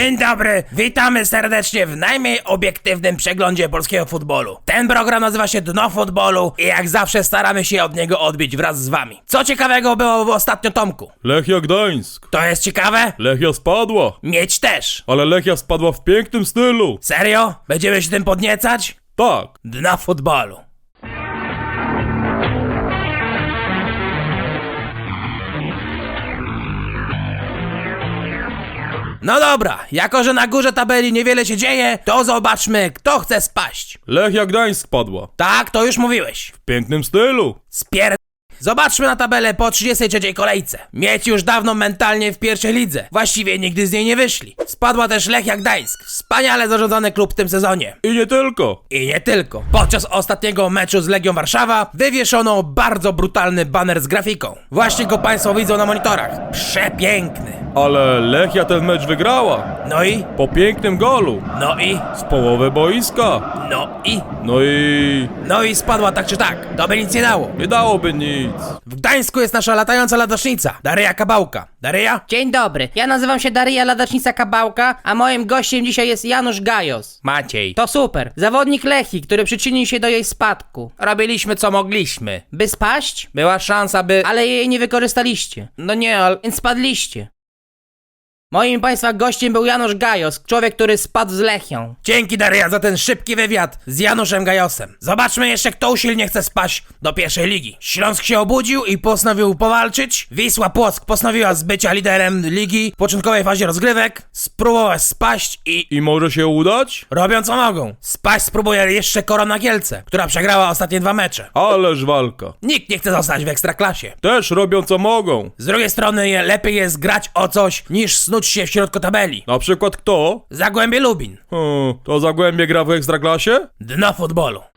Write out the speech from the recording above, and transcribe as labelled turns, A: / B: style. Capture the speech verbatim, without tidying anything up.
A: Dzień dobry, witamy serdecznie w najmniej obiektywnym przeglądzie polskiego futbolu. Ten program nazywa się Dno Futbolu i jak zawsze staramy się od niego odbić wraz z wami. Co ciekawego było w ostatnio, Tomku?
B: Lechia Gdańsk.
A: To jest ciekawe?
B: Lechia spadła.
A: Mieć też.
B: Ale Lechia spadła w pięknym stylu.
A: Serio? Będziemy się tym podniecać?
B: Tak.
A: Dna Futbolu. No dobra, jako że na górze tabeli niewiele się dzieje, to zobaczmy, kto chce spaść.
B: Lechia Gdańsk spadła.
A: Tak, to już mówiłeś.
B: W pięknym stylu.
A: Spier... Zobaczmy na tabelę po trzydziestej trzeciej kolejce. Mieć już dawno mentalnie w pierwszej lidze. Właściwie nigdy z niej nie wyszli. Spadła też Lechia Gdańsk. Wspaniale zarządzany klub w tym sezonie.
B: I nie tylko.
A: I nie tylko. Podczas ostatniego meczu z Legią Warszawa wywieszono bardzo brutalny baner z grafiką. Właśnie go państwo widzą na monitorach. Przepiękny.
B: Ale Lechia ten mecz wygrała.
A: No i?
B: Po pięknym golu.
A: No i?
B: Z połowy boiska.
A: No i?
B: No i...
A: No i spadła tak czy tak. To by nic nie dało.
B: Nie dałoby nic.
A: W Gdańsku jest nasza latająca ladacznica, Daria Kabałka. Daria?
C: Dzień dobry, ja nazywam się Daria Ladacznica Kabałka, a moim gościem dzisiaj jest Janusz Gajos.
A: Maciej.
C: To super, zawodnik Lechii, który przyczynił się do jej spadku.
A: Robiliśmy co mogliśmy.
C: By spaść?
A: Była szansa, by...
C: Ale jej nie wykorzystaliście,
A: No nie, ale...
C: więc spadliście. Moim państwa gościem był Janusz Gajos, człowiek, który spadł z Lechią.
A: Dzięki, Daria, za ten szybki wywiad z Januszem Gajosem. Zobaczmy jeszcze, kto usilnie chce spaść do pierwszej ligi. Śląsk się obudził i postanowił powalczyć. Wisła Płock postanowiła z bycia liderem ligi w początkowej fazie rozgrywek, spróbować spaść i...
B: I może się udać?
A: robią co mogą. Spaść spróbuje jeszcze Korona Kielce, która przegrała ostatnie dwa mecze.
B: Ależ walka.
A: Nikt nie chce zostać w Ekstraklasie.
B: Też robią co mogą.
A: Z drugiej strony je, lepiej jest grać o coś, niż snuć się w środku tabeli.
B: Na przykład kto?
A: Zagłębie Lubin.
B: Hmm, to Zagłębie gra w Ekstraklasie?
A: Dno Futbolu.